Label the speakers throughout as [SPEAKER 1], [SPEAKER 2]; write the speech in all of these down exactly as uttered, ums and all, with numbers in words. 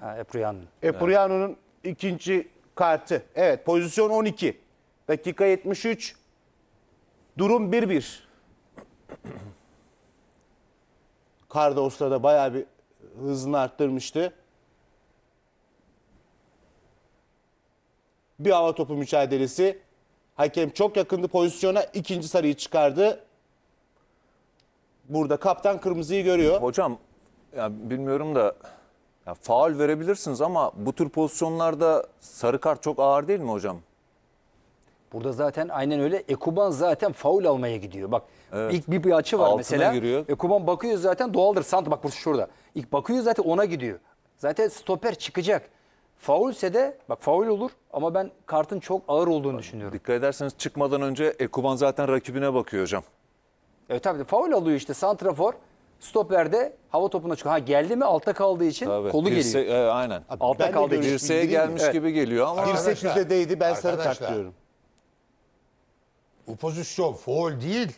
[SPEAKER 1] Ha, Epriano'nun.
[SPEAKER 2] Epriano'nun ikinci kartı. Evet, pozisyon on iki. Dakika yetmiş üç. Durum bir bir. Cardoso da bayağı bir hızını arttırmıştı. Bir hava topu mücadelesi. Hakem çok yakındı pozisyona. İkinci sarıyı çıkardı. Burada kaptan kırmızıyı görüyor.
[SPEAKER 3] Hocam ya bilmiyorum da ya faul verebilirsiniz ama bu tür pozisyonlarda sarı kart çok ağır değil mi hocam?
[SPEAKER 1] Burada zaten aynen öyle. Ekuban zaten faul almaya gidiyor. Bak
[SPEAKER 3] Evet.
[SPEAKER 1] ilk bir, bir açı var
[SPEAKER 3] Altına
[SPEAKER 1] mesela.
[SPEAKER 3] giriyor.
[SPEAKER 1] Ekuban bakıyor zaten doğaldır. Sant bak burası şurada. İlk bakıyor zaten ona gidiyor. Zaten stoper çıkacak. Faulse de bak faul olur ama ben kartın çok ağır olduğunu düşünüyorum.
[SPEAKER 3] Dikkat ederseniz çıkmadan önce Ekuban zaten rakibine bakıyor hocam.
[SPEAKER 1] Evet tabii faul alıyor işte santrafor. Stoperde hava topuna çıkıyor. Ha geldi mi altta kaldığı için
[SPEAKER 3] Tabii.
[SPEAKER 1] kolu
[SPEAKER 3] Dirse-
[SPEAKER 1] geliyor.
[SPEAKER 3] e, aynen.
[SPEAKER 1] Altta
[SPEAKER 2] Ben de
[SPEAKER 1] kaldığı için.
[SPEAKER 2] görüş-
[SPEAKER 3] Dirseğe
[SPEAKER 2] bildireyim mi?
[SPEAKER 3] gelmiş
[SPEAKER 1] Evet.
[SPEAKER 3] gibi geliyor ama
[SPEAKER 2] Dirsek
[SPEAKER 4] Arkadaşlar,
[SPEAKER 2] yüzedeydi. Ben sarı kart
[SPEAKER 4] arkadaşlar.
[SPEAKER 2] diyorum.
[SPEAKER 4] Bu pozisyon faul değil.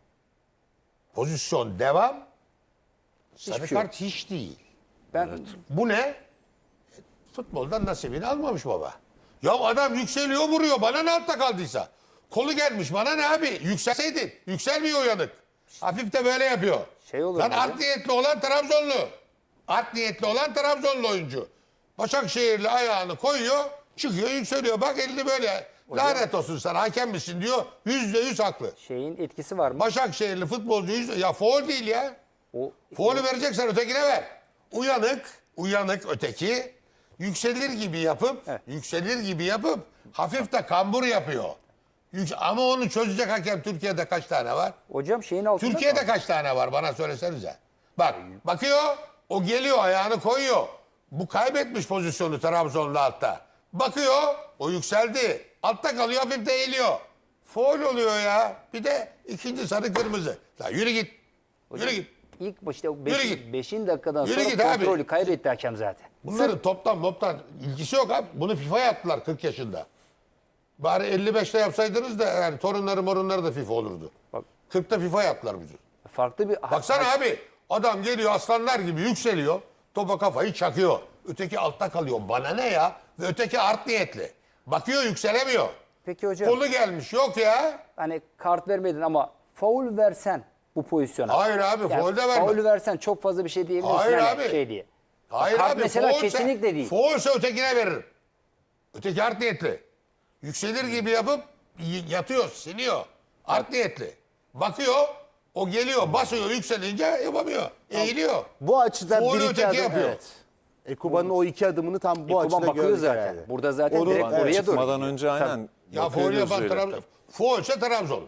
[SPEAKER 4] Pozisyon devam. Sarı
[SPEAKER 1] şey yok.
[SPEAKER 4] kart hiç değil.
[SPEAKER 1] Ben
[SPEAKER 4] Bu ne? Futboldan nasibini almamış baba. Ya adam yükseliyor vuruyor. Bana ne altta kaldıysa. Kolu gelmiş bana ne abi? Yükselseydin. Yükselmiyor uyanık. Hafif de böyle yapıyor.
[SPEAKER 1] Şey olur
[SPEAKER 4] Lan
[SPEAKER 1] mu
[SPEAKER 4] art
[SPEAKER 1] hocam?
[SPEAKER 4] niyetli olan Trabzonlu. Art niyetli olan Trabzonlu oyuncu. Başakşehirli ayağını koyuyor. Çıkıyor yükseliyor. Bak elini böyle. Lanet olsun sana hakem misin diyor. Yüzde yüz haklı.
[SPEAKER 1] şeyin etkisi var mı?
[SPEAKER 4] Başakşehirli futbolcu yüzde... Ya faul değil ya.
[SPEAKER 1] O
[SPEAKER 4] Faulü vereceksen ötekine ver. Uyanık, uyanık öteki yükselir gibi yapıp, yükselir gibi yapıp hafif de kambur yapıyor. Yük- Ama onu çözecek hakem Türkiye'de kaç tane var?
[SPEAKER 1] hocam şeyin altında
[SPEAKER 4] Türkiye'de
[SPEAKER 1] mı?
[SPEAKER 4] kaç tane var bana söylesenize. Bak bakıyor, o geliyor ayağını koyuyor. Bu kaybetmiş pozisyonu Trabzon'da altta. Bakıyor, o yükseldi. Altta kalıyor, hafif de eğiliyor. Faul oluyor ya. Bir de ikinci sarı kırmızı. La yürü git. Yürü git.
[SPEAKER 1] İlk başta
[SPEAKER 4] Yürü
[SPEAKER 1] beş,
[SPEAKER 4] git.
[SPEAKER 1] beşin dakikadan
[SPEAKER 4] Yürü
[SPEAKER 1] sonra
[SPEAKER 4] git abi.
[SPEAKER 1] kontrolü kaybetti hakem zaten.
[SPEAKER 4] Bunların toptan moptan ilgisi yok abi. Bunu FIFA yaptılar kırk yaşında. Bari elli beşte yapsaydınız da yani torunları morunları da FIFA olurdu.
[SPEAKER 1] Bak.
[SPEAKER 4] kırkta FIFA yaptılar bizi.
[SPEAKER 1] Farklı bir
[SPEAKER 4] Baksana abi adam geliyor aslanlar gibi yükseliyor. Topa kafayı çakıyor. Öteki altta kalıyor. Bana ne ya? Ve öteki art niyetli. Bakıyor yükselemiyor.
[SPEAKER 1] Peki hocam
[SPEAKER 4] Kolu gelmiş yok ya.
[SPEAKER 1] hani kart vermedin ama faul versen bu pozisyona.
[SPEAKER 4] Hayır abi, faul de verme.
[SPEAKER 1] Faul versen çok fazla bir şey diyebilirsin
[SPEAKER 4] Hayır
[SPEAKER 1] hani
[SPEAKER 4] abi.
[SPEAKER 1] şey diye.
[SPEAKER 4] Hayır
[SPEAKER 1] Kart
[SPEAKER 4] abi.
[SPEAKER 1] mesela
[SPEAKER 4] faulse-
[SPEAKER 1] kesinlikle değil.
[SPEAKER 4] Faulse ötekine veririm. Öteki art niyetli. Yükselir gibi yapıp y- yatıyor, siliyor. Art niyetli. Bakıyor, o geliyor, basıyor, yükselince yapamıyor. Eğiliyor.
[SPEAKER 2] Bu açıdan
[SPEAKER 4] Faulü
[SPEAKER 2] bir iki
[SPEAKER 4] öteki
[SPEAKER 2] adım.
[SPEAKER 4] yapıyor.
[SPEAKER 2] Evet. Ekuban'ın o iki adımını tam bu
[SPEAKER 1] Ekuban
[SPEAKER 2] açıda
[SPEAKER 1] bakıyor
[SPEAKER 2] gördük
[SPEAKER 1] zaten.
[SPEAKER 2] herhalde.
[SPEAKER 1] Burada zaten
[SPEAKER 2] Onu-
[SPEAKER 1] direkt
[SPEAKER 2] evet,
[SPEAKER 1] oraya doğru.
[SPEAKER 3] Çıkmadan
[SPEAKER 1] gidiyor.
[SPEAKER 3] önce aynen.
[SPEAKER 4] Ya
[SPEAKER 3] bakıyor
[SPEAKER 4] faul yapan
[SPEAKER 3] gözüyle.
[SPEAKER 4] Trabzon. Faulse Trabzonlu.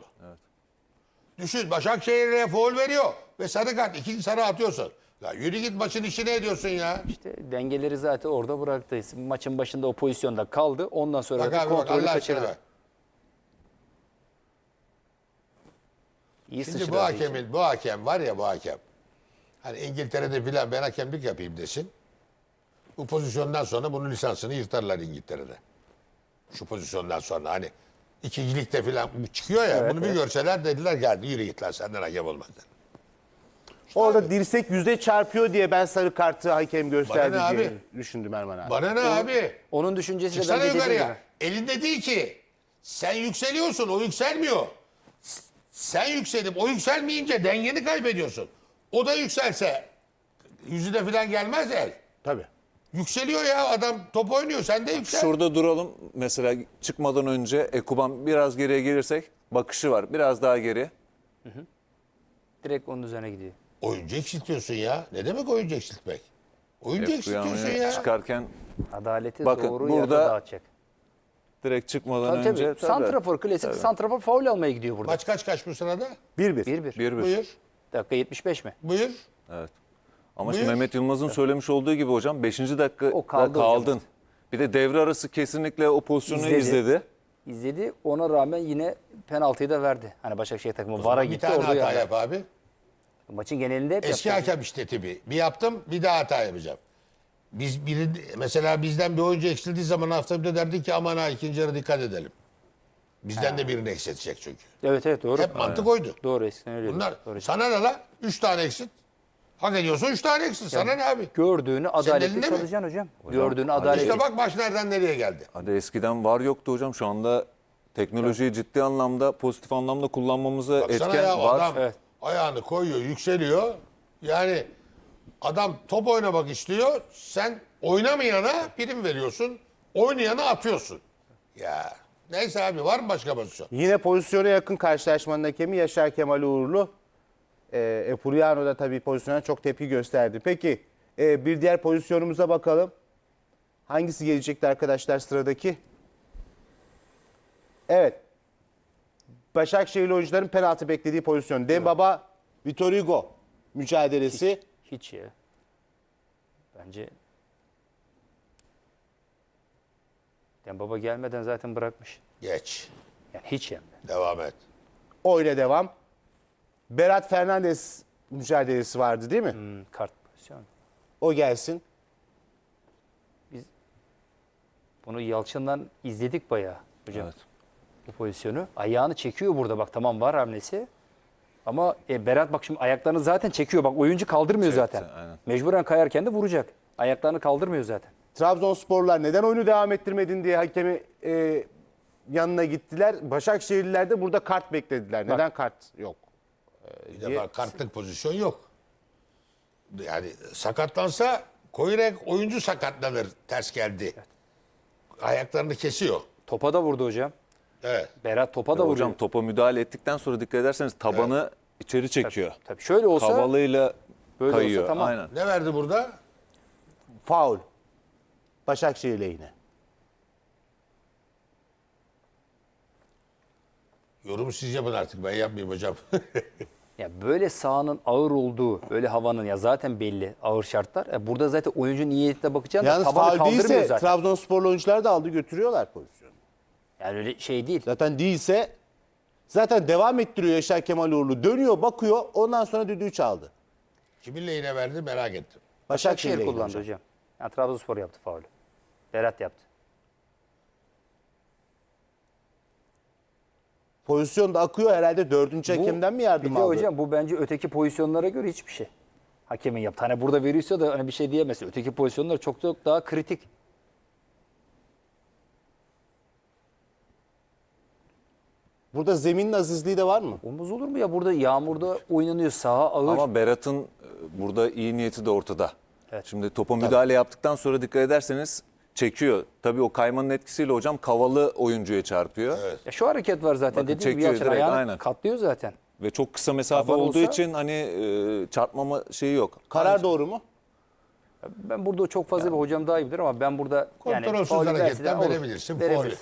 [SPEAKER 4] Düşün, Başakşehir'e faul veriyor ve sarı kart. İkinci sarı atıyorsun. Ya yürü git maçın işine ediyorsun ya.
[SPEAKER 1] İşte dengeleri zaten orada bıraktı. Maçın başında o pozisyonda kaldı. Ondan sonra
[SPEAKER 4] Bak
[SPEAKER 1] da
[SPEAKER 4] abi bak
[SPEAKER 1] kontrolü
[SPEAKER 4] Allah
[SPEAKER 1] kaçırdı.
[SPEAKER 4] aşkına bak.
[SPEAKER 1] İyi
[SPEAKER 4] Şimdi
[SPEAKER 1] sıçradı
[SPEAKER 4] bu
[SPEAKER 1] işte.
[SPEAKER 4] hakemin, bu hakem var ya bu hakem. Hani İngiltere'de filan ben hakemlik yapayım desin. Bu pozisyondan sonra bunun lisansını yırtarlar İngiltere'de. Şu pozisyondan sonra hani ikincilikte filan bu çıkıyor ya
[SPEAKER 1] Evet,
[SPEAKER 4] bunu bir
[SPEAKER 1] evet.
[SPEAKER 4] görseler dediler geldi yürü git lan senden hakem olmaz.
[SPEAKER 2] Orada dirsek yüze çarpıyor diye ben sarı kartı hakem gösterdi
[SPEAKER 4] Bana ne
[SPEAKER 2] diye
[SPEAKER 4] abi?
[SPEAKER 2] düşündüm Erman abi.
[SPEAKER 4] Bana ne abi?
[SPEAKER 1] Onun düşüncesi de
[SPEAKER 4] Çıksana
[SPEAKER 1] bence dediğim
[SPEAKER 4] yukarıya.
[SPEAKER 1] gibi.
[SPEAKER 4] Elinde değil ki. Sen yükseliyorsun o yükselmiyor. S- Sen yükselip o yükselmeyince dengeni kaybediyorsun. O da yükselse yüzüne falan gelmez el.
[SPEAKER 2] Tabii.
[SPEAKER 4] Yükseliyor ya adam top oynuyor sen de yüksel.
[SPEAKER 3] Şurada duralım. Mesela çıkmadan önce Ekuban biraz geriye gelirsek bakışı var. Biraz daha geri.
[SPEAKER 1] Direkt onun üzerine gidiyor.
[SPEAKER 4] Oyuncu eksiltiyorsun ya. Ne demek oyuncu eksiltmek? Oyuncu eksiltiyorsun
[SPEAKER 3] Ekuban'ı
[SPEAKER 4] ya.
[SPEAKER 3] çıkarken
[SPEAKER 1] Adaleti
[SPEAKER 3] Bakın,
[SPEAKER 1] doğru
[SPEAKER 3] burada-
[SPEAKER 1] yerde dağıtacak.
[SPEAKER 3] direkt çıkmadan
[SPEAKER 1] Tabii
[SPEAKER 3] önce.
[SPEAKER 1] tabii. Santrafor klasik santrafor faul almaya gidiyor burada.
[SPEAKER 4] Maç kaç kaç bu sırada?
[SPEAKER 2] bir bir.
[SPEAKER 1] bir bir.
[SPEAKER 3] Bir bir.
[SPEAKER 4] Buyur.
[SPEAKER 1] Dakika yetmiş beş mi?
[SPEAKER 4] Buyur.
[SPEAKER 3] Evet. Ama şimdi
[SPEAKER 4] Buyur.
[SPEAKER 3] Mehmet Yılmaz'ın söylemiş olduğu gibi hocam beşinci dakikada
[SPEAKER 1] O kaldı hocam
[SPEAKER 3] kaldın.
[SPEAKER 1] işte.
[SPEAKER 3] Bir de devre arası kesinlikle o pozisyonu
[SPEAKER 1] İzledi.
[SPEAKER 3] izledi.
[SPEAKER 1] İzledi. Ona rağmen yine penaltıyı da verdi. Hani Başakşehir takımı VAR'a
[SPEAKER 4] Bir
[SPEAKER 1] gitti
[SPEAKER 4] tane
[SPEAKER 1] orada
[SPEAKER 4] hata
[SPEAKER 1] yani.
[SPEAKER 4] yap abi.
[SPEAKER 1] Maçın genelinde hep
[SPEAKER 4] Eski
[SPEAKER 1] yaptı.
[SPEAKER 4] hakem işte tipi. Bir yaptım bir daha hata yapacağım. Biz biri, mesela bizden bir oyuncu eksildiği zaman hafta bir de derdik ki aman ha ikinci yarı dikkat edelim. Bizden de birini eksiltecek çünkü.
[SPEAKER 1] Evet evet doğru.
[SPEAKER 4] Hep mantık oydu.
[SPEAKER 1] Doğru eskiden öyle.
[SPEAKER 4] Bunlar
[SPEAKER 1] Doğru.
[SPEAKER 4] sana ne la? Üç tane eksit. Hak ediyorsun üç tane eksin. Sana ne abi?
[SPEAKER 1] Gördüğünü adaletli
[SPEAKER 4] elinde mi?
[SPEAKER 1] çalacaksın hocam. Gördüğünü adaletli.
[SPEAKER 4] İşte bak maç nereden nereye geldi.
[SPEAKER 3] Hadi eskiden var yoktu hocam. Şu anda teknolojiyi ciddi anlamda, pozitif anlamda kullanmamıza
[SPEAKER 4] Baksana
[SPEAKER 3] etken
[SPEAKER 4] ya
[SPEAKER 3] var.
[SPEAKER 4] adam
[SPEAKER 1] Evet.
[SPEAKER 4] ayağını koyuyor, yükseliyor. Yani adam top oynamak istiyor. Sen oynamayana prim veriyorsun. Oynayana atıyorsun. Ya neyse abi var mı başka pozisyon?
[SPEAKER 2] Yine pozisyona yakın karşılaşmanın hakemi Yaşar Kemal Uğurlu. E, Epuriano da tabii pozisyona çok tepki gösterdi. Peki e, bir diğer pozisyonumuza bakalım. Hangisi gelecekti arkadaşlar sıradaki? Evet. Başakşehirli oyuncuların penaltı beklediği pozisyon. Dembaba, Vitor Hugo mücadelesi.
[SPEAKER 1] Hiç ya. Bence Dembaba gelmeden zaten bırakmış.
[SPEAKER 4] Geç.
[SPEAKER 1] Yani hiç yani.
[SPEAKER 4] Devam et.
[SPEAKER 2] Oyla devam. Berat Fernandes mücadelesi vardı değil mi?
[SPEAKER 1] Hmm, kart pozisyonu.
[SPEAKER 2] O gelsin.
[SPEAKER 1] Bunu Yalçın'dan izledik bayağı hocam.
[SPEAKER 3] Evet.
[SPEAKER 1] Bu pozisyonu. Ayağını çekiyor burada bak tamam var hamlesi. Ama e, Berat bak şimdi ayaklarını zaten çekiyor. Bak oyuncu kaldırmıyor
[SPEAKER 3] Çekti,
[SPEAKER 1] zaten.
[SPEAKER 3] aynen.
[SPEAKER 1] Mecburen kayarken de vuracak. Ayaklarını kaldırmıyor zaten.
[SPEAKER 2] Trabzonsporlar neden oyunu devam ettirmedin diye hakemi e, yanına gittiler. Başakşehirliler de burada kart beklediler. Neden kart yok?
[SPEAKER 4] Bir defa kartlık pozisyon yok. Yani sakatlansa Koyrek oyuncu sakatlanır ters geldi. Ayaklarını kesiyor.
[SPEAKER 1] Topa da vurdu hocam.
[SPEAKER 4] Evet.
[SPEAKER 1] Berat topa da
[SPEAKER 3] Ya
[SPEAKER 1] vuruyor.
[SPEAKER 3] hocam topa müdahale ettikten sonra dikkat ederseniz tabanı içeri çekiyor.
[SPEAKER 1] Tabii şöyle olsa
[SPEAKER 3] Kavalıyla
[SPEAKER 1] böyle olsa
[SPEAKER 3] kayıyor.
[SPEAKER 1] tamam.
[SPEAKER 3] Aynen.
[SPEAKER 4] Ne verdi burada?
[SPEAKER 2] Faul. Başakşehir lehine.
[SPEAKER 4] Yorumu siz yapın artık ben yapmayayım hocam.
[SPEAKER 1] ya böyle sahanın ağır olduğu, böyle havanın ya zaten belli ağır şartlar. E burada zaten oyuncu niyetine bakacaksın da
[SPEAKER 2] Yalnız
[SPEAKER 1] tabanı
[SPEAKER 2] faul
[SPEAKER 1] kaldırmıyor
[SPEAKER 2] değilse
[SPEAKER 1] zaten.
[SPEAKER 2] Trabzonsporlu oyuncular da aldı götürüyorlar pozisyonu.
[SPEAKER 1] Yani öyle şey değil.
[SPEAKER 2] Zaten değilse zaten devam ettiriyor Yaşar Kemal Uğurlu. Dönüyor bakıyor ondan sonra düdüğü çaldı.
[SPEAKER 4] Kimin lehine verdi merak ettim.
[SPEAKER 2] Başakşehir
[SPEAKER 1] Başakşehir
[SPEAKER 2] lehine
[SPEAKER 1] kullandı
[SPEAKER 2] hocam.
[SPEAKER 1] hocam. Yani Trabzonspor yaptı faulü. Berat yaptı.
[SPEAKER 2] Pozisyon da akıyor herhalde dördüncü hakemden mi yardım
[SPEAKER 1] bir de
[SPEAKER 2] aldı?
[SPEAKER 1] hocam bu bence öteki pozisyonlara göre hiçbir şey. Hakemin yaptı. Hani burada veriyorsa da hani bir şey diyemezsin. Öteki pozisyonlar çok çok daha kritik.
[SPEAKER 2] Burada zeminin azizliği de var mı?
[SPEAKER 1] Olmaz olur mu ya? Burada yağmurda oynanıyor. Saha ağır.
[SPEAKER 3] Ama Berat'ın e, burada iyi niyeti de ortada.
[SPEAKER 1] Evet.
[SPEAKER 3] Şimdi topa müdahale yaptıktan sonra dikkat ederseniz çekiyor. Tabii o kaymanın etkisiyle hocam kavalı oyuncuya çarpıyor.
[SPEAKER 1] Ya şu hareket var zaten.
[SPEAKER 3] Bakın
[SPEAKER 1] Dediğim gibi
[SPEAKER 3] çekiyor
[SPEAKER 1] Yalçın
[SPEAKER 3] direkt,
[SPEAKER 1] ayağını
[SPEAKER 3] aynen.
[SPEAKER 1] katlıyor zaten.
[SPEAKER 3] Ve çok kısa mesafe
[SPEAKER 1] Taban
[SPEAKER 3] olduğu
[SPEAKER 1] olsa-
[SPEAKER 3] için hani e, çarpmama şeyi yok.
[SPEAKER 2] Karar doğru mu?
[SPEAKER 1] Ben burada çok fazla bir hocam daha iyi bilir ama ben burada yani
[SPEAKER 4] Kontrolsüz
[SPEAKER 1] faulü verse de
[SPEAKER 4] hareketten
[SPEAKER 1] olur.
[SPEAKER 4] verebilirsin.
[SPEAKER 1] Verebilirsin.
[SPEAKER 4] Faulü.